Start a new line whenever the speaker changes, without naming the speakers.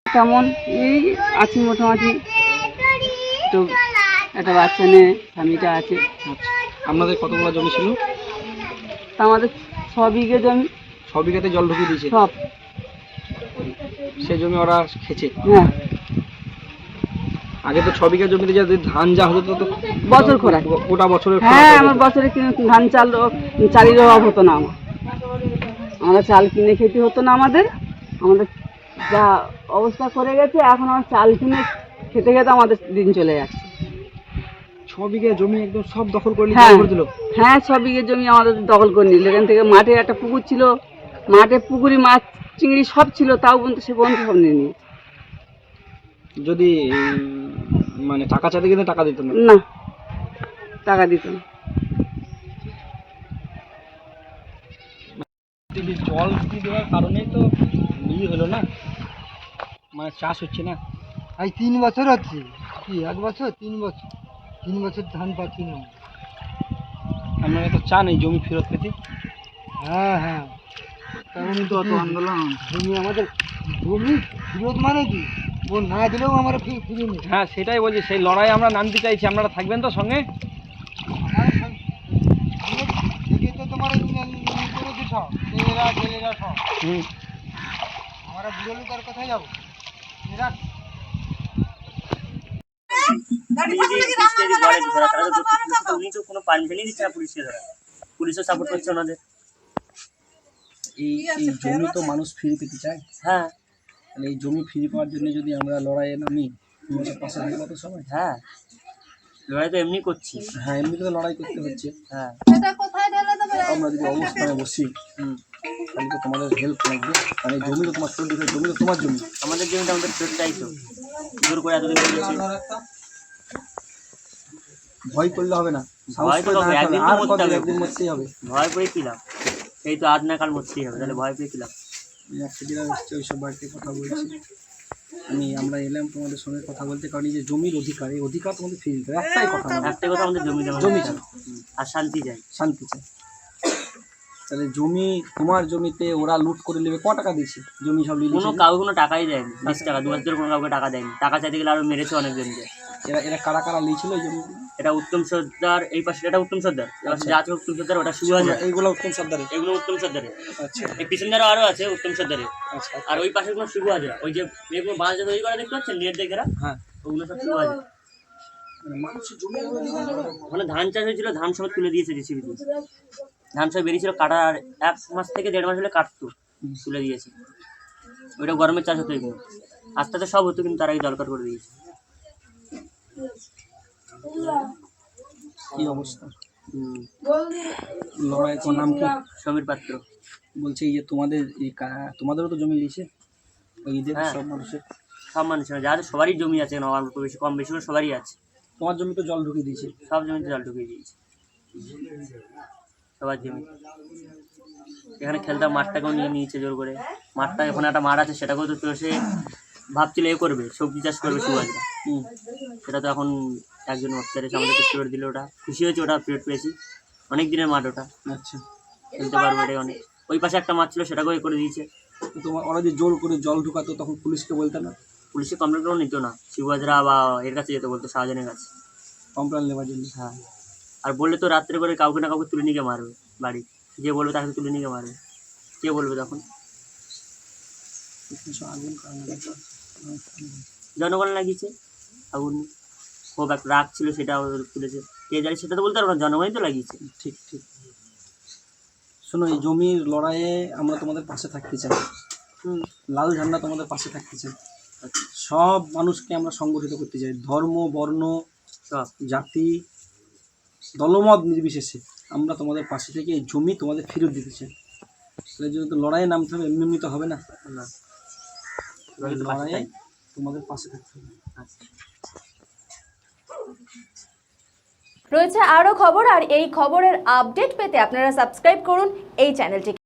তেমন এই আছি মোটামুটি, তো একটা বাচ্চা নিয়ে স্বামীটা আছে।
আচ্ছা, আপনাদের কতগুলো জমি ছিল?
তা আমাদের 6 বিঘে জমি।
6 বিঘাতে জল ঢুকিয়ে দিয়েছে
সব,
সে জমি ওরা খেছে?
হ্যাঁ।
আগে তো 6 বিঘা জমিতে যদি ধান যা হতো তো
বছর খোরাক,
গোটা বছরের
হ্যাঁ। আমার বছরে ধান চালের অভাব হতো না। আমরা চাল কিনে খেতে হতো না। আমাদের যা অবস্থা করে গেছে, এখন আমার চাল কিনে খেতে খেতে আমাদের দিন চলে যাচ্ছে।
6 বিঘা জমি একদম সব দখল করে দিল?
হ্যাঁ, 6 বিঘে জমি আমাদের দখল করে নিল। এখান থেকে মাঠে একটা পুকুর ছিল, মাঠে পুকুরি মাছ চিংড়ি সব ছিল, তাও বলতে সে বন্ধু সব নিয়ে নিয়েছে।
যদি মানে টাকা চাইতে গেলে টাকা দিত না?
না, টাকা দিত না।
জল ঢুকিয়ে দেওয়ার কারণেই তো হলো না, মানে চাষ হচ্ছে না।
আজ 3 বছর হচ্ছে, কি 1 বছর 3 বছর 3 বছর ধান পাচ্ছি না।
আপনারা তো চান এই জমি ফেরত পেতে?
হ্যাঁ হ্যাঁ,
তেমনই তো অত আন্দোলন।
জমি আমাদের, জমি ফেরত মানে কি, ও না দিলেও আমরা ফিরে নিই।
হ্যাঁ, সেটাই বলছি, সেই লড়াই আমরা নামতে চাইছি। আপনারা থাকবেন তো সঙ্গে?
তো তোমার করেছে সব ছেলেরা সব। আমরা বুড়ো লোক আর কোথায় যাবো?
কোনো পারমিশনই দিচ্ছে না পুলিশকে ধরা, পুলিশও সাপোর্ট করছে ওনাদের।
এই জমি তো মানুষ ফিরে পেতে চায়।
হ্যাঁ,
তাহলে এই জমি ফিরে পাওয়ার জন্য যদি আমরা লড়াইয়ে নামি, পাশে থাকবো তো সবাই।
হ্যাঁ, লড়াই তো এমনি করছি।
হ্যাঁ, এমনিতে তো লড়াই করতে হচ্ছে।
হ্যাঁ,
আমরা যদি অবস্থানে বসি, তাহলে তো তোমাদের হেল্প লাগবে। মানে জমি তো তোমার জমি তো তোমার জমি।
আমাদের জমিটা আমাদের ফেরত চাইতো, জোর করে এতদিন করেছি।
ভয় করলে হবে না,
ভয় তো হবে, একদিন তো মরতে হবে।
একদিন মরতেই হবে।
ভয় পেয়ে কি লাভ? সেই তো আজ না কাল মরতেই হবে, তাহলে ভয় পেয়ে কি লাভ?
ওইসব বাড়িতে কথা বলছি আমরা এলাম তোমাদের সঙ্গে কথা বলতে, কারণ এই যে জমির অধিকার, এই অধিকার তোমাদের ফিরে দিতে হবে। একটাই কথা,
আমাদের জমি চাই আর শান্তি চাই।
তাহলে জমি তোমার জমিতে ওরা লুট করে নেবে। ক টাকা দিয়েছে জমি সব?
কাউকে কোনো টাকাই দেয়নি, 20 টাকা 2 মাস ধরে কোনো কাউকে টাকা দেয়নি। টাকা চাইতে গেলে আরো মেরেছে অনেকজনকে।
এরা কারা কারা লিয়েছিল এই জমি?
এটা উত্তম সর্দার, এই পাশে এটা উত্তম সর্দার, যা আছে উত্তম সর্দার, ওটা শুভ হাজার।
এইগুলো উত্তম সর্দারের?
এগুলো উত্তম সর্দারের।
আচ্ছা,
এই পিছনদারও আরো আছে উত্তম সর্দারের।
আচ্ছা,
আর ওই পাশে কোনো শুভ হাজার, ওই যে মেয়েগুলো বাঁশ তৈরি করা দেখতে পাচ্ছেন নেট দেখে,
হ্যাঁ,
ওগুলো সব শুভ হাজার।
মানুষের জমি
ওখানে ধান চাষ হয়েছিল, ধান সব তুলে দিয়েছে জেসিবি দিয়ে। ধান সব বেরিয়েছিল, কাটার 1 মাস থেকে 1.5 মাস হলে কাটতো, তুলে দিয়েছে। ওইটা গরমের চাষ হতো এগুলো, আস্তে আস্তে সব হতো, কিন্তু তার আগে দরকার করে দিয়েছে।
কি অবস্থা? লড়াই তোমার নাম কি?
সমীর পাত্র।
বলছে এই যে তোমাদেরও তো জমি নিয়েছে ওই ঈদের?
হ্যাঁ,
সব মানুষের
যাদের সবারই জমি আছে, অল্প বেশি কম বেশি করে সবারই আছে।
তোমার জমি তো জল ঢুকিয়ে দিয়েছে?
সব জমিতে জল ঢুকিয়ে দিয়েছে, সবার জমি। এখানে খেলতাম, মাঠটাকেও নিয়ে নিয়েছে জোর করে। মাঠটা, এখন একটা মাঠ আছে, সেটাকেও তো চষে ভাবছিল করবে, সবজি চাষ করবে সুবাসরা। সেটা তো এখন একজন অফিসার এসে আমাদের কিছু করে দিল। ওটা খুশি হয়েছে, ওটা পিরিয়ড পেয়েছি। অনেক দিনের মাঠ ওটা।
আচ্ছা,
খেলতে পারবো এটাই অনেক। ওই পাশে একটা মাঠ ছিল, সেটাকেও করে দিয়েছে।
তোমার ওরা যে জোর করে জল ঢুকাতো, তখন পুলিশকে বলতে না?
পুলিশে কমপ্লেন করেও নিত না, শিবহাজরা বা এর কাছে যেতে বলতো, শাহজাহানের কাছে
কমপ্লেন নেওয়ার জন্য।
হ্যাঁ, আর বললে তো রাত্রে করে কাউকে না কাউকে তুলে নিয়ে মারবে। বাড়ি যে বলবে তাকে তুলে নিয়ে মারবে। কে বলবে তখন? জনগণ লাগিয়েছে আগুন, খুব এক রাগ ছিল, সেটা তুলেছে। কে জানি সেটা তো বলতে পারবো না, জনগণই তো লাগিয়েছে।
ঠিক ঠিক। শোনো, এই জমির লড়াইয়ে আমরা তোমাদের পাশে থাকতে চাই। লাল ঝান্ডা তোমাদের পাশে থাকতে চাই। সব মানুষকে আমরা সংগঠিত করতে চাই, ধর্ম বর্ণ
সব
জাতি দলমত নির্বিশেষে আমরা তোমাদের পাশে থেকে এই জমি তোমাদের ফেরত দিতে চাই। তাহলে যদি লড়াইয়ে নামতে হবে, এমনি তো হবে না। লড়াইয়ে তোমাদের পাশে থাকতে হবে।
রয়েছে আরও খবর, আর এই খবরের আপডেট পেতে আপনারা সাবস্ক্রাইব করুন এই চ্যানেলটিকে।